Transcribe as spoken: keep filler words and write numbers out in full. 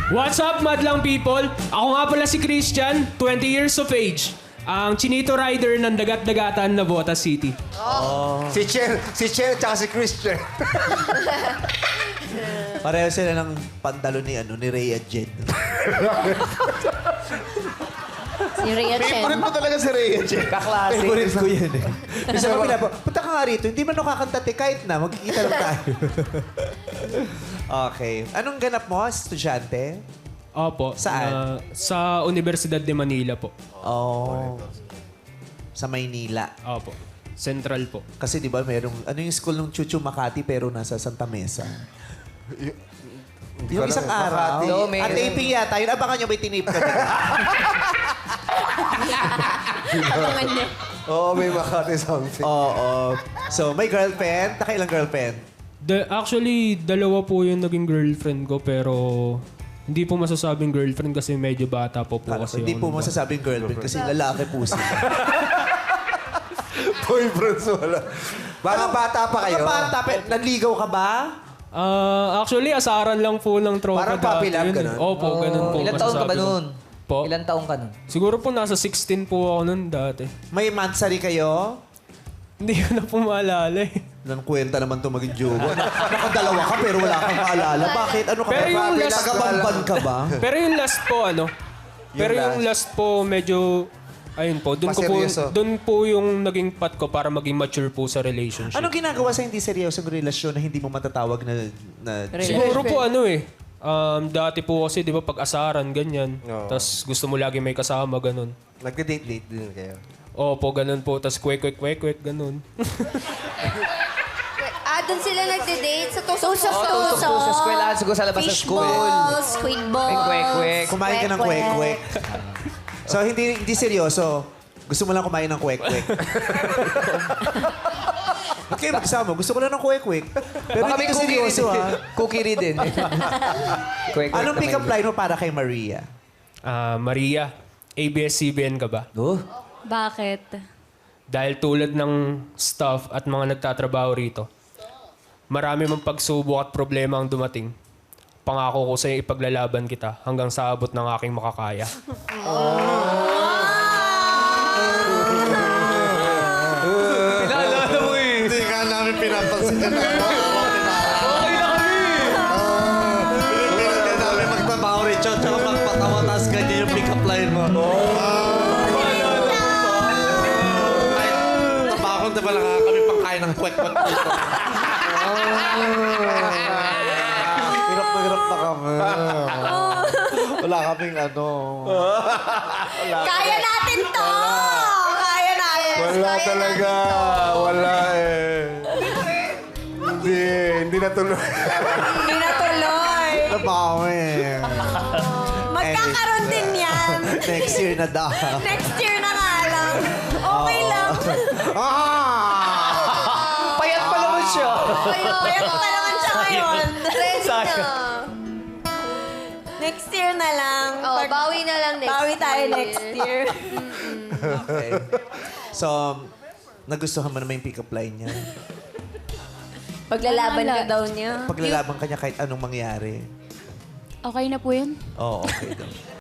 What's up, madlang people? Ako nga pala si Christian, twenty years of age. Ang chinito rider ng dagat-dagatan na Botas City. Si Cher, si Cher tsaka si Christian. Pareho sila ng pantalo ni, ano, ni Rhea Jen. Si Rhea Chen. Favorite mo talaga si Rhea Chen. Kaklase. Favorite ko yan eh. Isa pa pinapo, punta ka nga rito, hindi man nakakanta kahit na, magkikita lang tayo. Okay. Anong ganap mo, estudyante? Opo. Saan? na- sa Universidad de Manila po. Oh. Sa Maynila. Opo. Central po. Kasi di ba merong, ano yung school ng Chuchu Makati pero nasa Santa Mesa? Yung isang araw. Oo, may- At taping yata. Yun, abangan nyo, may tinip ka na. Abangan niya. Oo, may Makati something. Oo. So, may girlfriend? Nakailang girlfriend? The, actually, dalawa po yung naging girlfriend ko pero hindi po masasabing girlfriend kasi medyo bata po po kasi. Hindi ako po nung- masasabing girlfriend kasi lalaki po sila. Boyfriends wala. Baka bata pa kayo. Mga bata, pe, nanligaw ka ba? Ah, actually, asaran lang po ng tropa. Parang puppy love, Yun eh. ganun? Opo, ganun po. Ilan taon ka ba masasabi ko. nun? Po? Ilan taon ka nun? Siguro po nasa sixteen po ako nun dati. May mansari kayo? Hindi ko na po maalala eh. Nang kwenta naman to maging jowa. Nakadalawa ka pero wala kang maalala. Bakit? Ano ka Pero ba? yung last- Tagabamban ka ba? Pero yung last po, ano? Pero yung last po, medyo... Ayun po, doon ko po, Paseryoso. doon po yung naging pat ko para maging mature po sa relationship. Anong ginagawa sa hindi seryosong relasyon na hindi mo matatawag na... na Siguro po ano eh. Um, dati po kasi, di ba, pag-asaran, ganyan. Oo. Tapos gusto mo lagi may kasama, ganun. Nagde-date-date din kayo. Opo, ganun po. Tapos kwek, kwek, kwek, kwek, ganun. Ah, doon sila nagde-date sa tusok Oo, tusok po sa eskwelahan, siguro sa labas ng school. Fishballs, squid balls. May kwek-kwek. Kumain ka ng kwek-kwek. So, hindi hindi seryoso. Gusto mo lang kumain ng kwek-kwek. Ba't kayo magsama? Gusto ko lang ng kwek-kwek. Pero Baka hindi may ka cookie seryoso, rin. ha? Cookie rin din. Kwek-kwek Anong na pick-up may- line mo para kay Maria? Ah, Maria, A B S C B N ka ba? Oh, Bakit? Dahil tulad ng staff at mga nagtatrabaho rito, marami mang pagsubok at problema ang dumating. Pangako ko sa'yo ipaglalaban kita hanggang sa abot ng aking makakaya. pinaalala mo eh. Hindi ka namin pinapansin na Okay na kami. Hindi namin magtrabaho rin, Chon. Tsaka magpatawa, tapos ganyan yung pick-up line mo. Ay, trabaho ko, diba lang kami pangkain ng kwek-kwek dito. Hirap na hirap na kami. Wala kaming ano. Kaya natin to! Kaya natin. Wala Kaya talaga. Wala eh. Hindi. Hindi natuloy. Hindi na tuloy. Trabaho eh. Magkakaroon din yan. Next year na daw. Next year na nga lang. Okay lang. Ah! Payat pa naman siya. Kaya pa naman siya ngayon. Sayang. Next year na lang. Oh, Pag- bawi na lang next Bawi tayo year. next year. Okay. So, nagustuhan mo naman yung pick-up line niya. Paglalaban ka daw niya. Paglalaban ka niya kahit anong mangyari. Okay na po yun? Oo, okay daw.